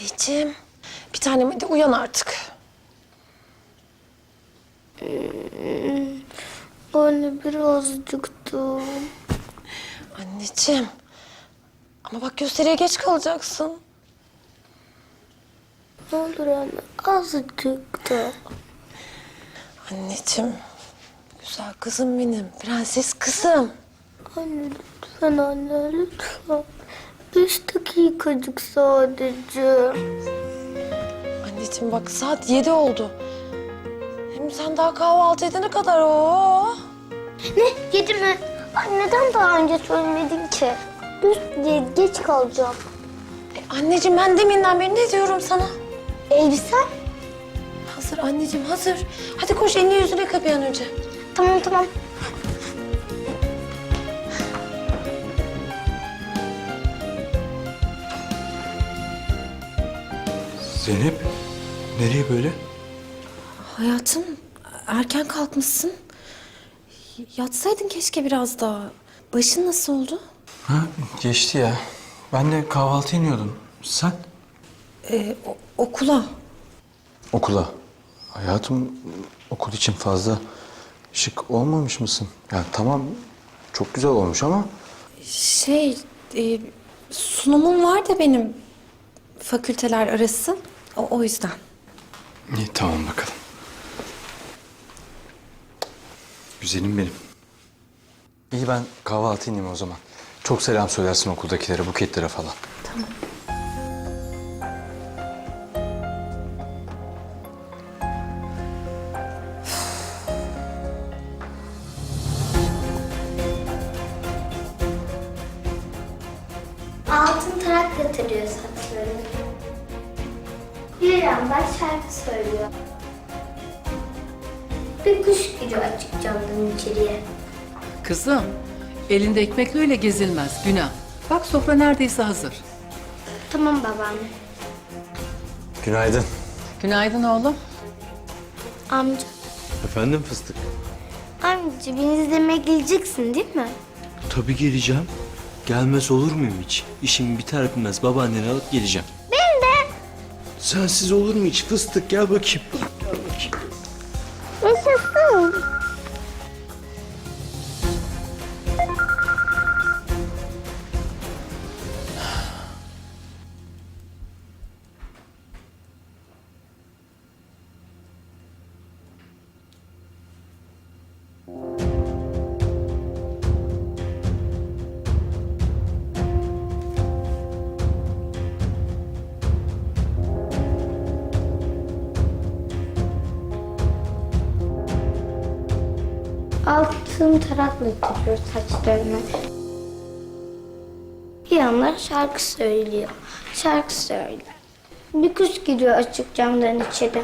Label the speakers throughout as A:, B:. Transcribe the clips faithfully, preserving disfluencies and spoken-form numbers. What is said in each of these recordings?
A: Anneciğim, bir tanem hadi uyan artık.
B: Hmm, anne birazcık da.
A: Anneciğim, ama bak gösteriye geç kalacaksın.
B: Ne olur anne azıcık da.
A: Anneciğim, güzel kızım benim, prenses kızım.
B: Anne lütfen anne lütfen. Beş dakikacık sadece.
A: Anneciğim bak saat yedi oldu. Hem sen daha kahvaltı edene kadar o.
B: Ne? Yedi mi? Ay neden daha önce söylemedin ki? Üst geç kalacağım.
A: E, anneciğim ben deminden beri ne diyorum sana?
B: Elbisen?
A: Hazır anneciğim hazır. Hadi koş elini yüzüne yıka bir an önce.
B: Tamam tamam.
C: Zeynep, nereye böyle?
A: Hayatım erken kalkmışsın. Yatsaydın keşke biraz daha. Başın nasıl oldu?
C: Ha, geçti ya. Ben de kahvaltı iniyordum. Sen?
A: Ee, o- okula.
C: Okula. Hayatım, okul için fazla şık olmamış mısın? Ya tamam, çok güzel olmuş ama...
A: Şey, e, sunumum var da benim fakülteler arası. O, o yüzden.
C: İyi, tamam bakalım. Güzelim benim. İyi, ben kahvaltı ineyim o zaman. Çok selam söylersin okuldakilere, buketlere falan.
A: Tamam.
B: Altın tarak yatırıyor saçlarını. Bir yandan şarkı söylüyor. Bir kuş giriyor açık camdan içeriye.
D: Kızım, elinde ekmekle öyle gezilmez, günah. Bak sofra neredeyse hazır.
B: Tamam babaanne.
C: Günaydın.
D: Günaydın oğlum.
B: Amca,
E: Efendim fıstık?
B: amca beni izlemeye geleceksin değil mi?
E: Tabii geleceğim. Gelmez olur muyum hiç? İşim biter bitmez babaanneni alıp geleceğim.
B: Ben de.
E: Sensiz olur mu hiç fıstık? Gel bakayım. Gel bakayım.
B: Yaşasın. Altın tarakla yatırıyor saçlarını. Bir yandan şarkı söylüyor. Şarkı söylüyor. Bir kuş giriyor açık camdan içeri.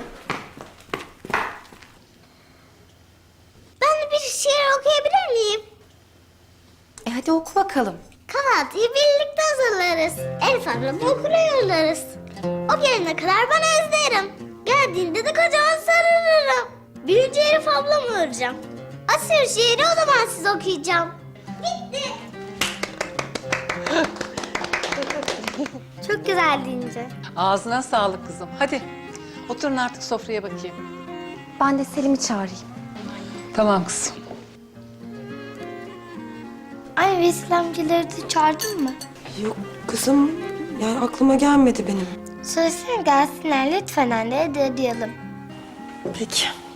B: Ben de bir şiir okuyabilir miyim?
A: E hadi oku bakalım.
B: Kahvaltıyı birlikte hazırlarız. Elif ablamı okula yollarız. O gelene kadar ben özlerim. Geldiğinde de kocaman sarılırım. Büyüyünce Elif ablamı öreceğim. Asıl şiiri o zaman size okuyacağım. Bitti. Çok güzel deyince.
D: Ağzına sağlık kızım. Hadi oturun artık sofraya bakayım.
A: Ben de Selim'i çağırayım.
D: Tamam kızım.
B: Ay Vesil amcaları da çağırdın mı?
A: Yok kızım, yani aklıma gelmedi benim.
B: Söylesene gelsinler lütfen anne, hadi arayalım.
A: Peki.